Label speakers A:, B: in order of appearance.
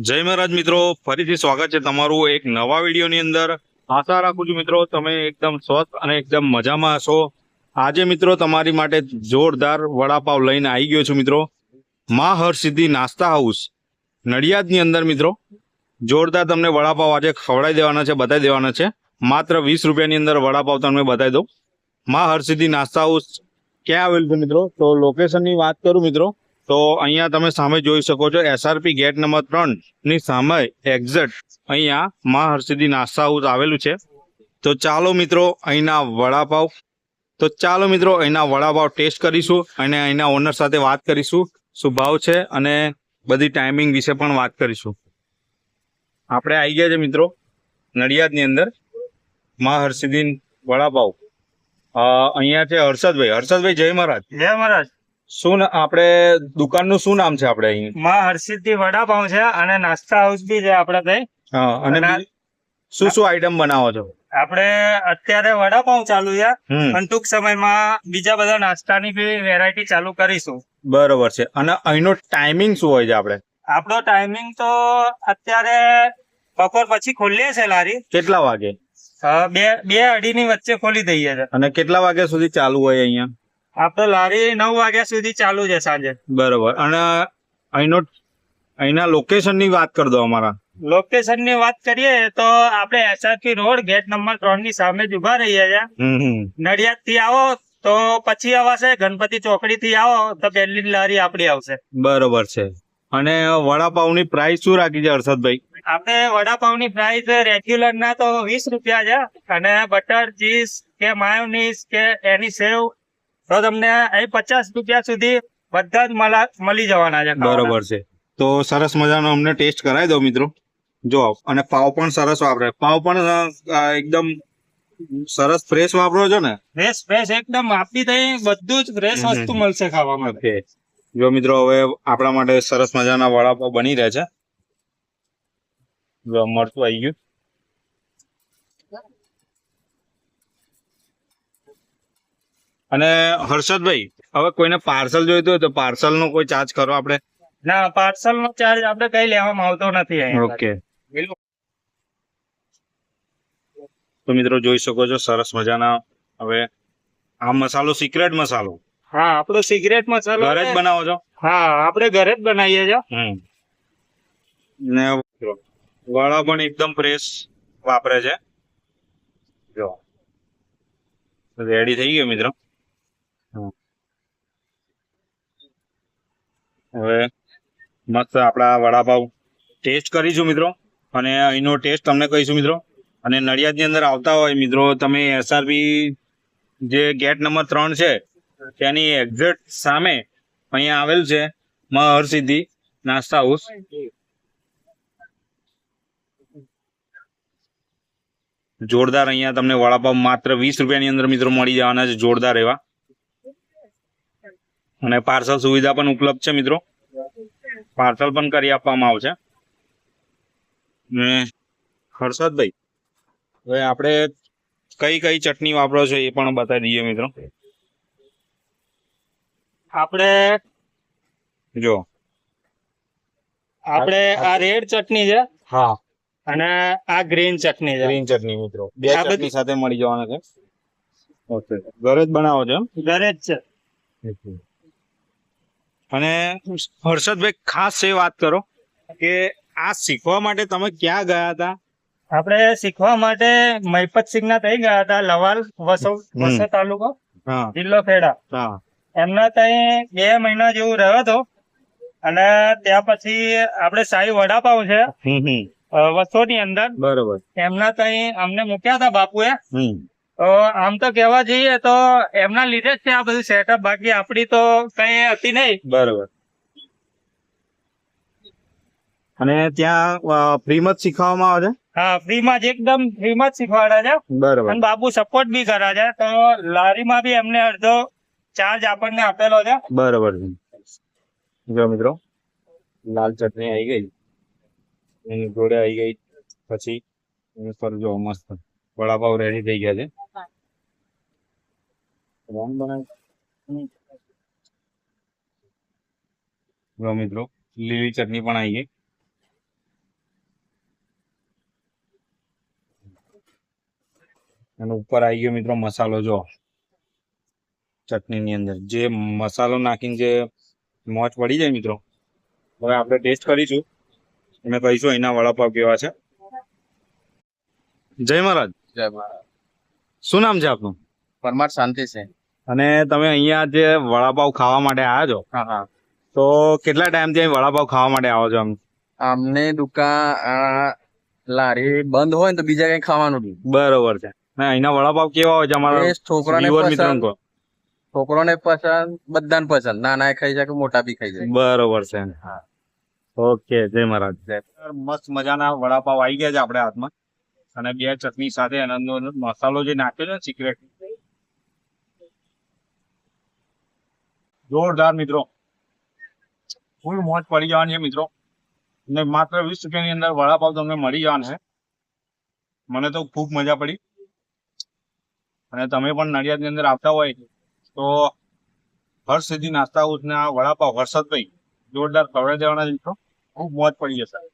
A: જય મહારાજ મિત્રો, ફરીથી સ્વાગત છે તમારું એક નવા વિડીયોની અંદર। આશા રાખું છું મિત્રો તમે એકદમ સ્વસ્થ અને એકદમ મજામાં હશો। આજે મિત્રો તમારી માટે જોરદાર વડાપાવ લઈને આવી ગયો છું મિત્રો। માં હરસિદ્ધિ નાસ્તા હાઉસ નડિયાદની અંદર મિત્રો જોરદાર તમને વડાપાવ આજે ખવડાવી દેવાના છે, બતાવી દેવાના છે। માત્ર 20 રૂપિયાની અંદર વડાપાવ તમને બતાવી દઉં। માં હરસિદ્ધિ નાસ્તા હાઉસ ક્યાં આવેલું છે મિત્રો? તો લોકેશનની વાત કરું મિત્રો તો અહીંયા તમે સામે જોઈ શકો છો, SRP ગેટ નંબર 3 ની સામે એક્ઝેક્ટ અહીંયા માં હરસિદ્ધિ નાસ્તા હાઉસ આવેલું છે। તો ચાલો મિત્રો અહીંના વડાપાવ ટેસ્ટ કરીશું અને અહીંના ઓનર સાથે વાત કરીશું શું ભાવ છે અને બધી ટાઈમિંગ વિશે પણ વાત કરીશું। આપણે આવી ગયા છે મિત્રો નડિયાદની અંદર માં હરસિદ્ધિ વડાપાવ। અહીંયા છે હર્ષદભાઈ જય મહારાજ।
B: જય મહારાજ।
A: શું આપણે દુકાનનું શું નામ છે? આપણે અહીં
B: માં હરસિદ્ધિ વડાપાઉં છે અને નાસ્તા હાઉસ બી છે આપણે ત્યાં।
A: હા, અને શું આઈટમ બનાવો છો?
B: આપણે અત્યારે વડાપાઉં ચાલુ છે
A: હમ,
B: અને ટૂંક સમયમાં બીજા બધા નાસ્તાની બી વેરાયટી ચાલુ કરીશું।
A: બરોબર છે। અને અહીંનો ટાઈમિંગ શું હોય છે?
B: આપણો ટાઈમિંગ તો અત્યારે બપોર પછી ખોલીએ છે લારી।
A: કેટલા વાગે
B: 2-2:30 ની વચ્ચે ખોલી દઈએ છે
A: અને કેટલા વાગ્યા સુધી ચાલુ હોય અહીંયા?
B: આપણે લારી 9 વાગ્યા સુધી ચાલુ છે સાંજે।
A: બરોબર। અને અહીંના લોકેશનની વાત કરી દો અમારા।
B: લોકેશન ની વાત કરીએ તો આપણે SRP રોડ ગેટ નંબર 3 ની સામે જ ઉભા રહીએ છીએ। નડિયાદ થી આવો તો પછી આવાશે, ગણપતિ ચોકડી થી આવો તો પહેલી જ લારી આપડી આવશે।
A: બરોબર છે। અને વડાપાવની પ્રાઇસ શું રાખી છે હર્ષદભાઈ?
B: આપણે વડાપાવની પ્રાઇસ રેગ્યુલર ના તો 20 રૂપિયા છે અને બટર ચીઝ કે માયોનીઝ કે એની સેવ તો તમને અહીં 50 રૂપિયા સુધી બધા જ મળી જવાના છે।
A: બરોબર છે। તો સરસ મજાનો અમને ટેસ્ટ કરાવી દો મિત્રો। જો અને પાવ પણ સરસ વાપરે, પાવ પણ એકદમ સરસ ફ્રેશ વાપરો છો ને?
B: ફ્રેશ એકદમ આપી થઈ, બધું જ ફ્રેશ વસ્તુ મળશે ખાવા માટે।
A: જો મિત્રો હવે આપણા માટે સરસ મજાના વડાપાવ બની રહ્યા છે। જો મરચું આવી ગયું અને હર્ષદભાઈ હવે કોઈને પાર્સલ જોઈતું હોય તો પાર્સલ નો કોઈ ચાર્જ કરો આપણે?
B: ના, પાર્સલ નો ચાર્જ આપણે કઈ લેવામાં આવતો નથી અહીંયા।
A: ઓકે। તો મિત્રો જોઈ શકો છો સરસ મજાના હવે આ મસાલો સિક્રેટ મસાલો।
B: હા, આપણો સિગરેટ મસાલો
A: ઘરે જ બનાવો છો?
B: હા, આપણે ઘરે જ બનાવીએ છીએ।
A: ને વડા પણ એકદમ ફ્રેશ વાપરે છે। જો રેડી થઈ ગયો મિત્રો। હવે મસ્ત આપણા વડાપાવ ટેસ્ટ કરીશું મિત્રો અને અહીંનો ટેસ્ટ તમને કહીશું મિત્રો। અને નડિયાદની અંદર આવતા હોય મિત્રો તમે SRP જે ગેટ નંબર 3 છે તેની એક્ઝેક્ટ સામે અહીંયા આવેલ છે માં હરસિદ્ધિ નાસ્તા હાઉસ। જોરદાર અહીંયા તમને વડાપાવ માત્ર 20 રૂપિયાની અંદર મિત્રો મળી જવાના છે, જોરદાર એવા। અને પાર્સલ સુવિધા પણ ઉપલબ્ધ છે મિત્રો, પાર્સલ પણ કરી આપવામાં આવશે। ને હર્ષદભાઈ હવે આપણે કઈ ચટણી વાપરો છો એ પણ બતાવી દઈએ મિત્રો।
B: આપણે આ રેડ ચટણી છે।
A: હા,
B: અને આ ગ્રીન ચટણી છે।
A: ગ્રીન ચટણી મિત્રો બે
B: આ બધી
A: ચટણી સાથે મળી જવાના છે। ઓકે, ઘરે જ બનાવો છો?
B: ઘરે જ છે।
A: અને હર્ષદભાઈ ખાસ એ વાત કરો કે આ શીખવા માટે તમે ક્યાં ગયા હતા?
B: આપણે શીખવા માટે મહિપતસિંહ ના થઈ ગયા હતા, લવાલ વસો તાલુકો, જિલ્લો ખેડા। એમના ત્યાં 2 મહિના જેવું રહ્યો હતો અને ત્યાં પછી આપણે સાઈ વડાપાવ છે વસો ની અંદર, બરોબર, એમના ત્યાં અમને મૂક્યા હતા બાપુએ। તો આમ તો કેવા જઈએ તો એમના લીધે જ છે આ બધું સેટઅપ, બાકી આપડી તો કઈ હતી નહીં।
A: બરોબર। અને ત્યાં ફ્રીમાં જ શીખવામાં આવે છે?
B: હા, ફ્રીમાં જ, એકદમ ફ્રીમાં જ શીખવાડે છે। બરોબર। અને બાપુ સપોર્ટ બી કરે છે, તો લારીમાં બી એમને અડધો ચાર્જ આપણને આપેલો છે।
A: બરોબર છે। જો મિત્રો લાલ ચટણી આવી ગઈ, એની જોડે આવી ગઈ પછી પર જો મસ્ત વડાપાવ રેડી થઈ ગયા છે। મિત્રો લીલી ચટણી પણ આવી ગઈ। અને ઉપર આવી ગયો મિત્રો મસાલો, જો ચટણી ની અંદર જે મસાલો નાખીને જે મોજ પડી જાય મિત્રો. હવે આપણે ટેસ્ટ કરીશું અને કહીશું અહીંના વડાપાવ કેવા છે. જય મહારાજ.
C: જય મહારાજ.
A: શું નામ છે આપનું?
C: પરમાર શાંતિ છે.
A: અને તમે અહીંયા જે વડાપાવ ખાવા માટે આવ્યા છો,
C: હા હા.
A: તો કેટલા ટાઈમથી અહીં વડાપાવ ખાવા માટે આવો છો?
C: અમને દુકાન લારી બંધ હોય ને તો બીજા કઈ ખાવાનું નહીં.
A: બરોબર છે. અને અહીંના વડાપાવ કેવા હોય છે અમારા
C: છોકરાને
A: viewer
C: પસંદ,
A: મિત્રોને કહો.
C: છોકરોને પસંદ, બધાને પસંદ, નાના ખાઈ જાય કે મોટા બી ખાઈ જાય.
A: બરોબર છે.
C: હા.
A: ઓકે, જય મહારાજ. મસ્ત મજાના વડાપાવ આવી ગયા છે આપણે હાથમાં, અને બે ચટણી સાથે એનો મસાલો જે નાખ્યો છે સિક્રેટ, જોરદાર મિત્રો. ફૂલ મોજ પડી જવાની છે મિત્રો. ને માત્ર 20 રૂપિયાની અંદર વડાપાવ તમને મળી જવાના છે. મને તો ખૂબ મજા પડી. અને તમે પણ નડિયાદની અંદર આવતા હોય તો હર્ષ સિદ્ધિ નાસ્તા હાઉસના વડાપાવ હર્ષદભાઈ જોરદાર ખવડાવી દેવાના છે મિત્રો. ખૂબ મોજ પડી જશે.